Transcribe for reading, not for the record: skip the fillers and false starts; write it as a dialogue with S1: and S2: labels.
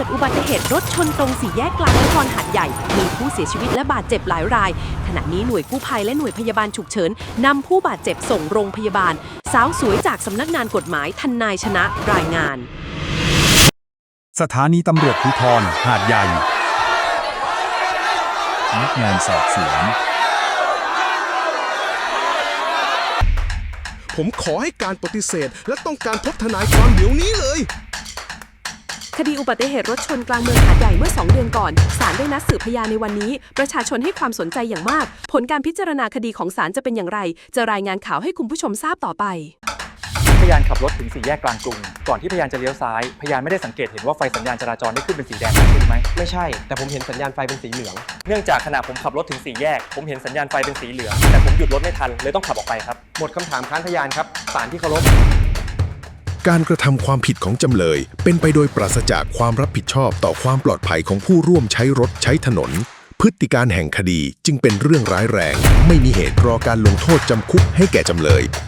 S1: ดอุบัติเหตุรถชนตรงสี่แยกกลางนครหาดใหญ่มีผู้เสียชีวิตและบาดเจ็บหลายรายขณะนี้หน่วยกู้ภัยและหน่วยพยาบาลฉุกเฉินนำผู้บาดเจ็บส่งโรงพยาบาลสาวสวยจากสำนักงานกฎหมายทนายชนะรายงาน
S2: สถานีตำรวจภูธรหาดใหญ่พนักงานสอบสวน
S3: ผมขอให้การปฏิเสธและต้องการพบทนายความเดี๋ยวนี้เลย
S1: คดีอุบัติเหตุรถชนกลางเมืองหาดใหญ่เมื่อ2 เดือนก่อนศาลได้นัดสืบพยานในวันนี้ประชาชนให้ความสนใจอย่างมากผลการพิจารณาคดีของศาลจะเป็นอย่างไรจะรายงานข่าวให้คุณผู้ชมทราบต่อไป
S4: พยานขับรถถึงสี่แยกกลางกรุงก่อนที่พยานจะเลี้ยวซ้ายพยานไม่ได้สังเกตเห็นว่าไฟสัญญาณจราจรได้ขึ้นเป็นสีแดงใช่ไหม
S5: ไม่ใช่แต่ผมเห็นสัญญาณไฟเป็นสีเหลือง
S4: เนื่องจากขณะผมขับรถถึงสี่แยกผมเห็นสัญญาณไฟเป็นสีเหลืองแต่ผมหยุดรถไม่ทันเลยต้องขับออกไปครับ
S5: หมดคำถามค้านพยานครับศาลที่เคารพ
S3: การกระทำความผิดของจำเลยเป็นไปโดยปราศจากความรับผิดชอบต่อความปลอดภัยของผู้ร่วมใช้รถใช้ถนนพฤติการแห่งคดีจึงเป็นเรื่องร้ายแรงไม่มีเหตุรอการลงโทษจำคุกให้แก่จำเลย